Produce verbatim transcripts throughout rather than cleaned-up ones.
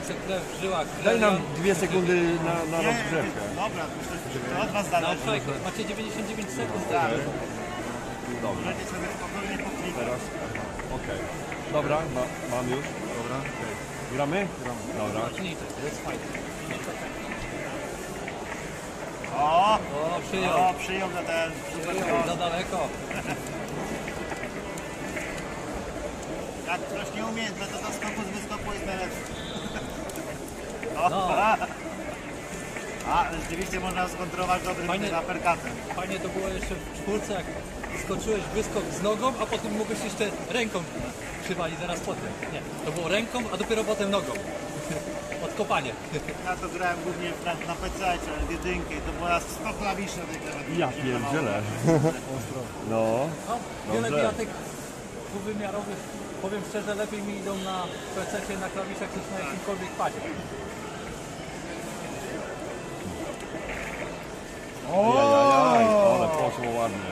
se krew w żyłach. Daj nam dwie sekundy na, na rozgrzewkę. Dobra, to od was zależy. No czekaj, macie dziewięćdziesiąt dziewięć sekund. Tak. Dobrze, Możecie sobie spokojnie poklikać. teraz. Okej. Dobra, ma, mam już. Dobra. Okay. Gramy? Gramy. Dobra. Zacznijcie, to jest fajne. O! O, przyjął. O, przyjął za ten. Przyjął, za daleko. Jak ktoś nie umie, metoda skoku z wyskoku jest najlepsza. O, No. a, a, rzeczywiście można skontrolować dobrym Fajnie. aperkatem. Fajnie to było jeszcze w czwórce, jak skoczyłeś wyskok z nogą, a potem mogłeś jeszcze ręką przywalić zaraz potem. Nie, to było ręką, a dopiero potem nogą. Odkopanie. Ja to grałem głównie na, na P C, ale w jedynkę i to była sto klawiszy na tej klawiaturze. Ja pierdzielę. No. No, wiele Dobrze. bijatek dwuwymiarowych, powiem szczerze, lepiej mi idą na P C na klawiszach niż na jakimkolwiek padzie. Jajajaj, ale poszło ładnie.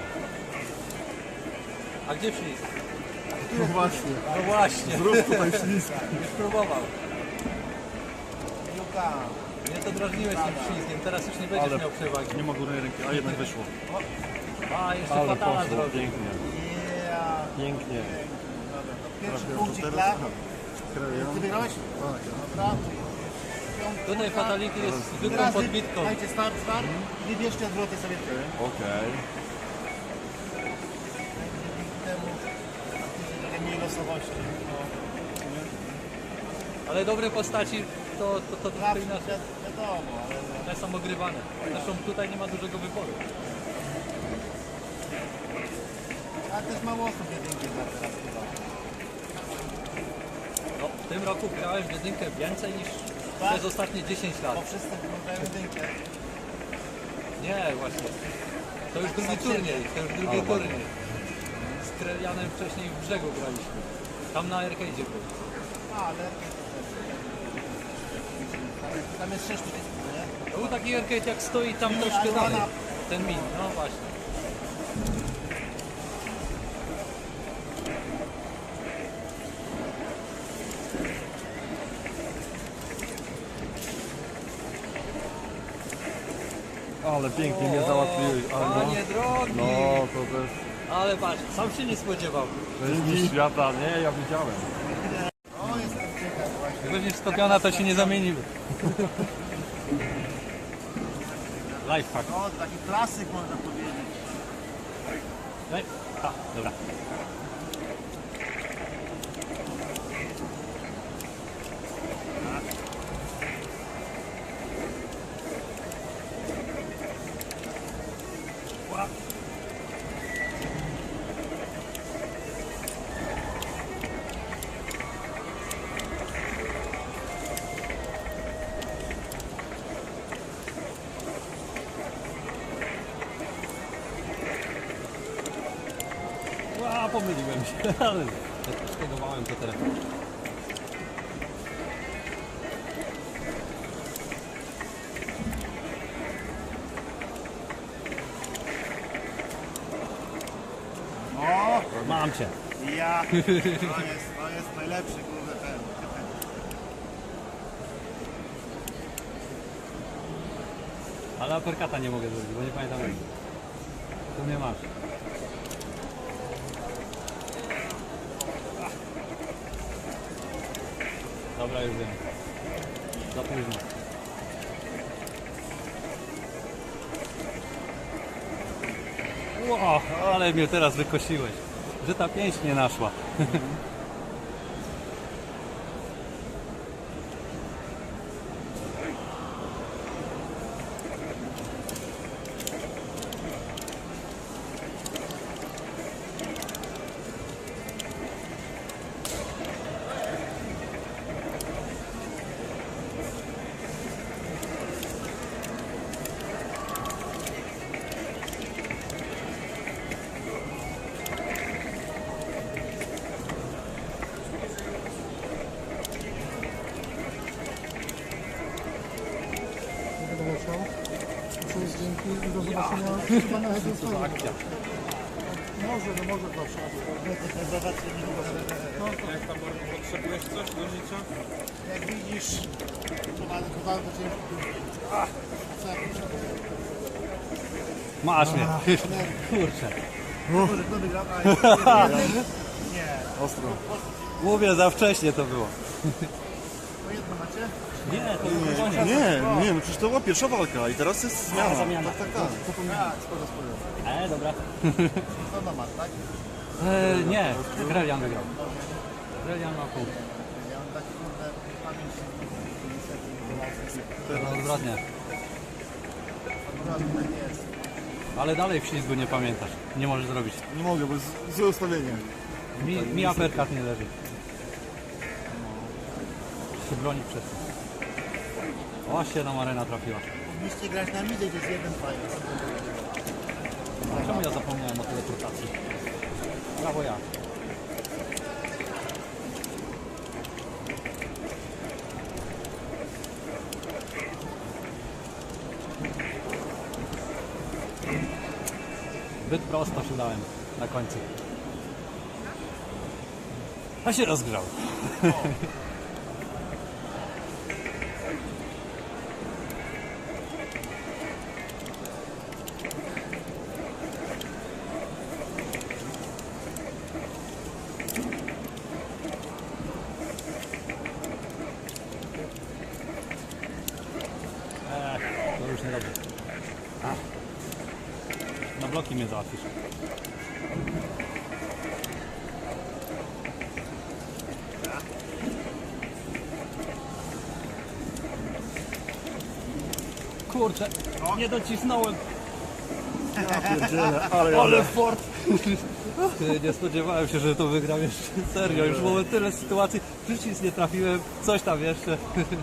A gdzie ślizg? No właśnie. No właśnie. Zrób tutaj ślizg. Już próbował. Piłka. Nie to drażniłeś tym ślizgiem, teraz już nie będziesz Ale miał przewagi. nie ma górnej ręki, a jednak wyszło. A, jeszcze Ale fatala poszło, zrobił. pięknie. Yeah. Pięknie. Pierwszy punkcik dla... Ty wygrałeś? Tak. Dobra. Tutaj fatality jest zwykłą Teraz wy- podbitką. Dajcie start, start. Wybierzcie odwroty sobie trzy. Okej. Temu trochę mniej losowości. No. Ale dobre postaci to, to, to troszkę Zawsze inaczej. wi- wiadomo, ale... One są ogrywane. Zresztą tutaj nie ma dużego wyboru. Ale też mało osób jedynki gra teraz chyba. No, w tym roku grałem w jedynkę więcej niż Tak? przez ostatnie dziesięć lat. Bo wszyscy grają jedynkę. Nie, właśnie. To już drugi turniej, to już drugi turniej. Z Krelianem wcześniej w Brzegu graliśmy. Tam na arcade'zie był. A, ale... Tam jest sześć przycisków, nie? To był taki arcade jak stoi tam troszkę dalej. Ten min, no właśnie. Ale pięknie mnie załatwiłeś. Ale no, Panie drogi! no to też Ale patrz, sam się nie spodziewał. to jest mistrz świata. Nie, ja widziałem. O, jestem ciekaw właśnie. Jak weźmiesz stopiona, to się nie zamieniły. Lifehack. O, taki klasyk można powiedzieć. Ej, a, dobra. Ła, pomyliłem się, ale stegowałem to teraz. O, Mam cię. ja. To jest, to jest najlepszy kurde ten. Ale aperkata nie mogę zrobić, bo nie pamiętam jak. Tu mnie masz. Dobra, już wiem. Za późno. Ło, ale mnie teraz wykosiłeś. Że ta pięść nie naszła. Cześć, dzięki i do zobaczenia chyba na Edu. Co za akcja. Może, no może zawsze. Zobaczcie, nie Jak tam potrzebujesz coś do życia? Jak widzisz, to bardzo, to bardzo ciężko tu A co ja potrzebuję? Masz mnie. Kurczę. Może kto wygrał? A, nie. Ostro. Mówię, za wcześnie to było. To jedno macie? Nie, to już koniec. Nie, nie, no przecież to była pierwsza walka i teraz jest zmiana. zamiana. Tak, tak, tak. A, sporo, sporo. E, dobra. To na mat, tak? E, nie, Grelian wygrał. Grelian ma pół. Ja mam taki kurde pamięć niestety. Teraz odwrotnie. Akurat tak jest. Ale dalej w ślizgu nie pamiętasz. Nie możesz zrobić. Nie mogę, bo jest złe ustawienie. Mi, mi aperkat nie leży. Się broni przez to. Właśnie nam arena trafiła. Powinniście grać na midzie, gdzie jest jeden fajny. Czemu ja zapomniałem o teleportacji? Brawo ja. Zbyt prosto się dałem na końcu. A się rozgrzał. Ech, to już nie dobrze. Na bloki mnie załatwisz. Kurczę, nie docisnąłem. Ale, Ale fort! Ty, nie spodziewałem się, że to wygram jeszcze. Serio, już było tyle sytuacji. Przycisk nie trafiłem, coś tam jeszcze.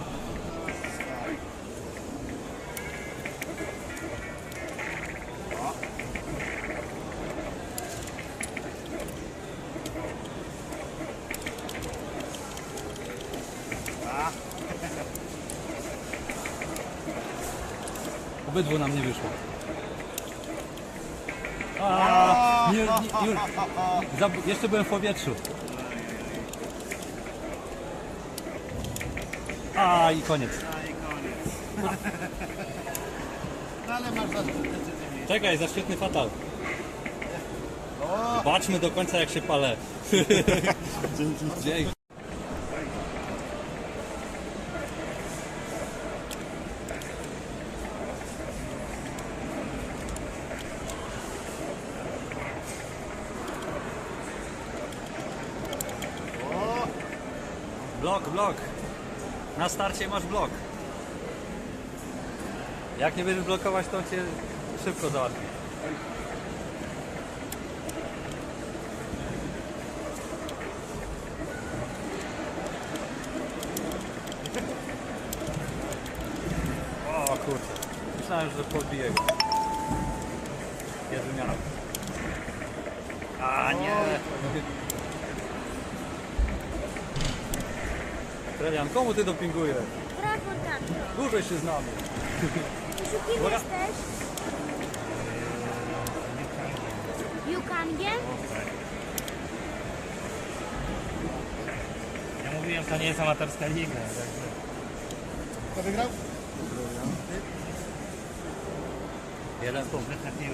Obydwu nam nie wyszło. A, nie, nie, już, Zab- jeszcze byłem w powietrzu. A i koniec. A i koniec. No ale masz zaszczyt decyzyjnie. Czekaj, za świetny fatal. Zobaczmy do końca jak się palę. Dzięki. Dzięki. Blok, blok. Na starcie masz blok. Jak nie będziesz blokować, to cię szybko załatwi. O kurczę. Myślałem, że podbiję go. Jest wymiana. A nie. Grelian, komu ty dopingujesz? Brawo, tato. Dłużej się znamy. Czy kim Uwaga. jesteś? Yukangiem? Ja mówiłem, to nie jest amatorska liga. Kto wygrał? Jeden punkt. Trafiłem.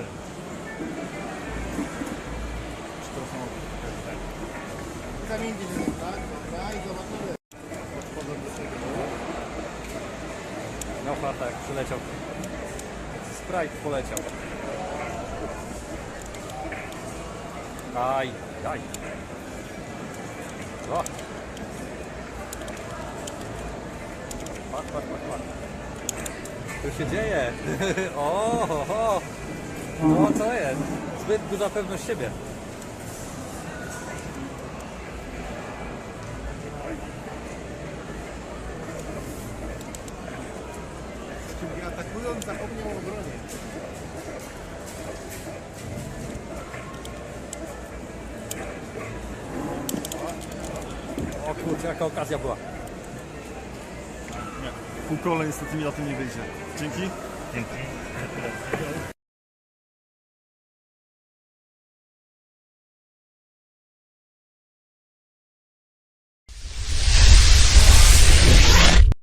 Kamień gdzieś, tak? Dobra, i zobaczymy. No farta jak przyleciał. Sprite poleciał. Aj, aj. O. Patrz, patrz, patrz, patrz. Co się dzieje? O, ho, ho. No co jest? Zbyt duża pewność siebie. Czyli atakując zapomniał o obronie. O kurczę, jaka okazja była. Pół kole niestety mi na tym nie wyjdzie. Dzięki. Dzięki.